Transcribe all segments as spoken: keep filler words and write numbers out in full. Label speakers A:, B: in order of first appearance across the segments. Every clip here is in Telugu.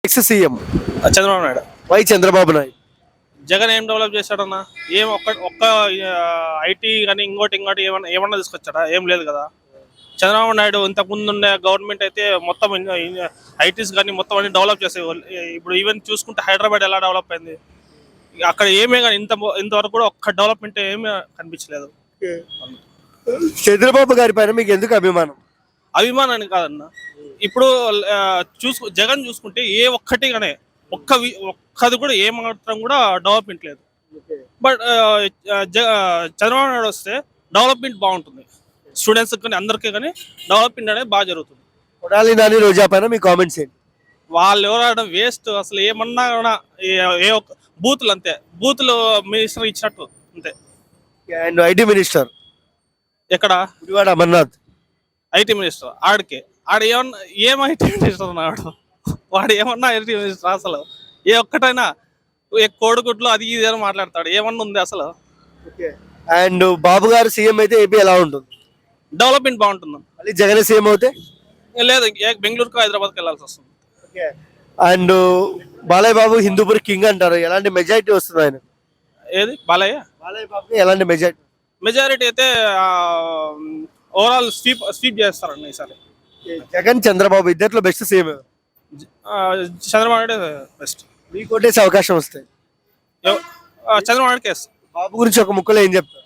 A: Next CM
B: Chandrababu Naidu.
A: Why Chandrababu Naidu.
B: Jagan ఏం డెవలప్ చేశాడన్నా? ఏం ఒక్క ఒక్క ఐటీ కానీ ఇంకోటి ఇంకోటి ఏమన్నా ఏమన్నా తీసుకొచ్చాడా? ఏం లేదు కదా. చంద్రబాబు నాయుడు ఇంతకు ముందు ఉండే గవర్నమెంట్ అయితే మొత్తం ఐటీస్ కానీ మొత్తం అన్ని డెవలప్ చేసేవాళ్ళు. ఇప్పుడు ఈవెన్ చూసుకుంటే హైదరాబాద్ ఎలా డెవలప్ అయింది, అక్కడ ఏమే కానీ ఇంత ఇంతవరకు కూడా ఒక్క డెవలప్మెంట్ ఏమీ కనిపించలేదు.
A: చంద్రబాబు గారి పైన మీకు ఎందుకు అభిమానం?
B: అభిమానాన్ని కాదన్న, ఇప్పుడు చూసు జగన్ చూసుకుంటే ఏ ఒక్కటి కానీ ఒక్క ఒక్కది కూడా ఏ మాత్రం కూడా డెవలప్మెంట్ లేదు. బట్ చంద్రబాబు నాయుడు వస్తే డెవలప్మెంట్ బాగుంటుంది. స్టూడెంట్స్ కానీ అందరికీ కానీ డెవలప్మెంట్ అనేది బాగా జరుగుతుంది.
A: కొడాలి నాని రోజా పైన మీ కామెంట్స్ ఏంటి?
B: వాళ్ళు ఎవరు వేస్ట్, అసలు ఏమన్నా కూడా ఏ ఒక్క బూతులు అంతే, బూతులు మినిస్టర్ ఇచ్చినట్టు అంతే.
A: అండ్ ఐటీ మినిస్టర్
B: ఎక్కడ?
A: Gudivada Amarnath
B: IT minister. ఆడికి ఆడ ఏమన్నా ఏం ఐటీ మినిస్టర్ అన్నాడు వాడు? ఏమన్నా ఐటీ మినిస్టర్ అసలు? ఏ ఒక్కటైనా కోడిగుడ్లు అది ఇది అని మాట్లాడతాడు, ఏమన్నా ఉంది అసలు?
A: అండ్ బాబు గారు సీఎం అయితే ఏపీ ఎలా ఉంటుంది?
B: డెవలప్మెంట్ బాగుంటుంది.
A: మళ్ళీ జగన్ సీఎం అవుతే
B: లేదు, బెంగళూరుకు హైదరాబాద్కి వెళ్ళాల్సి వస్తుంది.
A: అండ్ బాలయ్య బాబు హిందూపూర్ కింగ్ అంటారు, ఎలాంటి మెజారిటీ వస్తుంది ఆయన?
B: ఏది బాలయ్య?
A: బాలయ్య బాబు ఎలాంటి మెజారిటీ?
B: మెజారిటీ అయితే ఓవరాల్ స్వీప్ స్వీప్ చేస్తారండి ఈసారి.
A: జగన్ చంద్రబాబు ఇద్దరిలో best CM
B: Chandrababu Naidu best.
A: మీకు కొట్టేసే అవకాశం వస్తాయి.
B: చంద్రబాబు నాయుడు కేసు.
A: బాబు గురించి ఒక ముక్కలో ఏం చెప్తారు?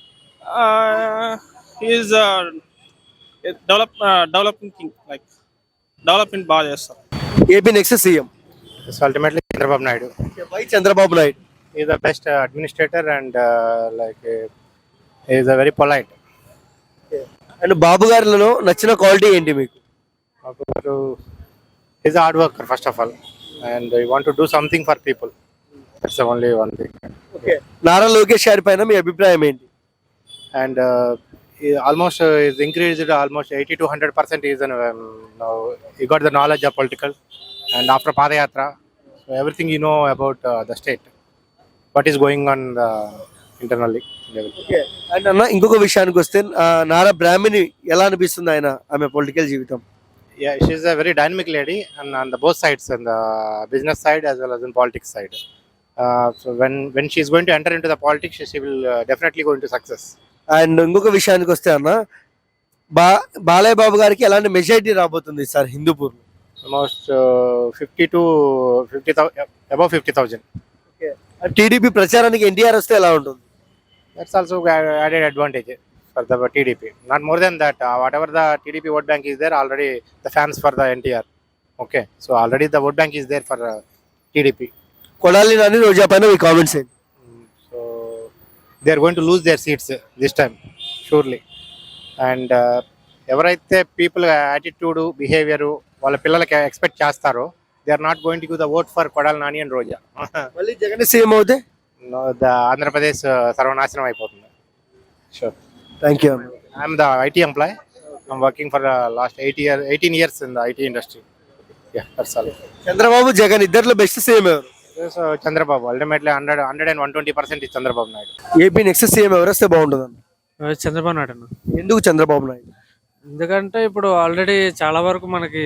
B: Is develop developing king, like development బాగా చేస్తారు.
A: AP next CM
C: ultimately Chandrababu Naidu.
A: Why Chandrababu Naidu?
C: He is the best uh, administrator and uh, like uh, he is a very polite.
A: And Babu గారిలో నచ్చిన క్వాలిటీ ఏంటి మీకు?
C: He is a hard worker first of all, and he want to do something for people. That's the only one thing.
A: Okay. Nara Lokesh గారి పైన మీ అభిప్రాయం ఏంటి?
C: And uh, he almost uh, is increased almost eighty to one hundred percent. He is an, um, now he got the knowledge of political, and after Padayatra, so everything you know about uh, the state, what is going on uh, internally level.
A: Okay. And అన్న ఇంకొక విషయానికి వస్తే నారా బ్రాహ్మణి ఎలా అనిపిస్తుంది ఆయన ఆమె పొలిటికల్ జీవితం?
C: Yeah, she is a very dynamic lady, and on the both sides, on the business side as well as in politics side. Uh, so when when she is going to enter into the politics, she will uh, definitely go into success.
A: And ఇంకొక విషయానికి వస్తే అన్న బా బాలయ్య బాబు గారికి ఎలాంటి మెజారిటీ రాబోతుంది sir Hindupur?
C: Almost uh, fifty to fifty thousand, above fifty thousand.
A: TDP ప్రచారానికి ఎన్టీఆర్ వస్తే ఎలా ఉంటుంది?
C: That's also added advantage for the T D P. Not more than that. Uh, whatever the T D P vote bank is there, already the fans for the N T R. Okay, so already the vote bank is there for uh, T D P.
A: Kodali Nani Roja పైన మీ కామెంట్స్ ఏంటి?
C: So they are going to lose their seats uh, this time, surely. And uh, ఎవరైతే పీపుల్ యాటిట్యూడ్ బిహేవియర్ వాళ్ళ పిల్లలకి ఎక్స్పెక్ట్ చేస్తారో, they are not going to give the vote for Kodali Nani and Roja.
A: మళ్ళీ జగన్ సీఎం అవుతే
C: ద ఆంధ్రప్రదేశ్ సర్వనాశనం అయిపోతుంది. Sure.
A: Thank you.
C: I'm the IT employee. I'm working for last eight year eighteen years in the IT industry. Yeah, that's all.
A: Chandrababu Jagan ఇద్దరిలో బెస్ట్ సీఎం ఎవరు?
C: So Chandrababu ultimately hundred hundred and one twenty percent is Chandrababu Naidu.
A: AP next CM ఎవరు వస్తే బాగుంటుంది అన్న?
D: చంద్రబాబు నాయుడు అన్న.
A: ఎందుకు చంద్రబాబు నాయుడు?
D: ఎందుకంటే ఇప్పుడు ఆల్రెడీ చాలా వరకు మనకి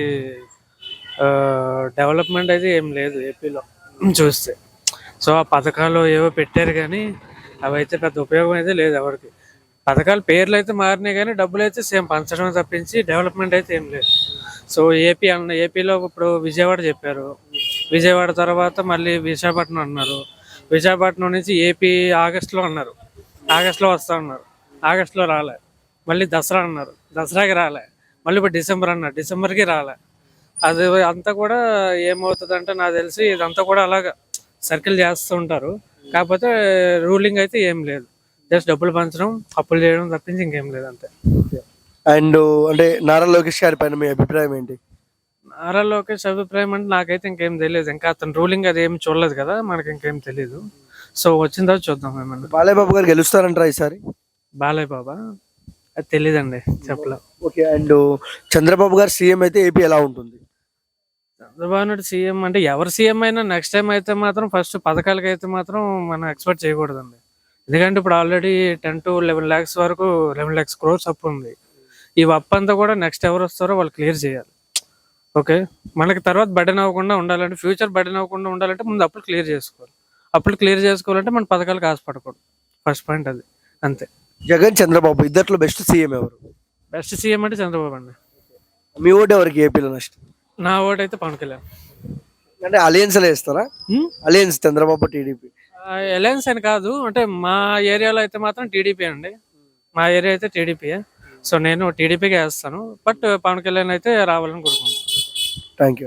D: డెవలప్మెంట్ అయితే ఏం లేదు ఏపీలో చూస్తే. సో ఆ పథకాలు ఏవో పెట్టారు కానీ అవి అయితే పెద్ద ఉపయోగం అయితే లేదు ఎవరికి. పథకాలు పేర్లు అయితే మారినాయి కానీ డబ్బులు అయితే సేమ్ పంచడం తప్పించి డెవలప్మెంట్ అయితే ఏం లేదు. సో ఏపీ అన్న ఏపీలో ఇప్పుడు విజయవాడ చెప్పారు, విజయవాడ తర్వాత మళ్ళీ విశాఖపట్నం అన్నారు, విశాఖపట్నం నుంచి ఏపీ ఆగస్టులో అన్నారు, ఆగస్టులో వస్తా అన్నారు, ఆగస్టులో రాలే. మళ్ళీ దసరా అన్నారు, దసరాకి రాలే. మళ్ళీ ఇప్పుడు డిసెంబర్ అన్నారు, డిసెంబర్కి రాలే. అది అంతా కూడా ఏమవుతుంది అంటే నాకు తెలిసి ఇదంతా కూడా అలాగా సర్కిల్ చేస్తూ ఉంటారు. కాకపోతే రూలింగ్ అయితే ఏం లేదు, జస్ట్ డబ్బులు పంచడం అప్పులు చేయడం తప్పించి ఇంకేం లేదు అంతే.
A: అండ్ అంటే నారా లోకేష్ గారి పైన మీ అభిప్రాయం ఏంటి?
D: నారా లోకేష్ అభిప్రాయం అంటే నాకైతే ఇంకేం తెలియదు, ఇంకా అతను రూలింగ్ అది ఏం చూడలేదు కదా, మనకి ఇంకేం తెలియదు. సో వచ్చిన తర్వాత చూద్దాం ఏమన్నా.
A: బాలయ్య బాబు గారు గెలుస్తారంటారా ఈసారి?
D: బాలయ్య బాబా అది తెలీదండి, చెప్పలేదు.
A: ఓకే. అండ్ చంద్రబాబు గారు సీఎం అయితే ఏపీ ఎలా ఉంటుంది?
D: చంద్రబాబు నాయుడు సీఎం అంటే ఎవరు సీఎం అయినా నెక్స్ట్ టైం అయితే మాత్రం ఫస్ట్ పథకాలకి అయితే మాత్రం మనం ఎక్స్పెక్ట్ చేయకూడదండి. ఎందుకంటే ఇప్పుడు already ten to eleven lakhs వరకు లెవెన్ ల్యాక్స్ క్రోర్స్ అప్పు ఉంది. ఈ అప్పు అంతా కూడా నెక్స్ట్ ఎవరు వస్తారో వాళ్ళు క్లియర్ చేయాలి. ఓకే, మనకి తర్వాత బర్డెన్ అవ్వకుండా ఉండాలంటే, ఫ్యూచర్ బర్డెన్ అవ్వకుండా ఉండాలంటే ముందు అప్పులు క్లియర్ చేసుకోవాలి. అప్పులు క్లియర్ చేసుకోవాలంటే మన పథకాలకు ఆశపడకూడదు. ఫస్ట్ పాయింట్ అది, అంతే.
A: జగన్ చంద్రబాబు ఇద్దట్లో బెస్ట్ సీఎం ఎవరు?
D: బెస్ట్ సీఎం అంటే చంద్రబాబు అండి.
A: మీ ఓటు ఎవరికి ఏపీలో నెక్స్ట్?
D: నా ఓటు అయితే పవన్ కళ్యాణ్.
A: అంటే అలయన్స్ వేస్తారా? అలయన్స్ చంద్రబాబు టీడీపీ
D: అలయన్స్ అని కాదు, అంటే మా ఏరియాలో అయితే మాత్రం టీడీపీ అండి. మా ఏరియా అయితే టీడీపీ. సో నేను టీడీపీకి వేస్తాను, బట్ పవన్ కళ్యాణ్ అయితే రావాలని కోరుకుంటున్నాను.
A: Thank you.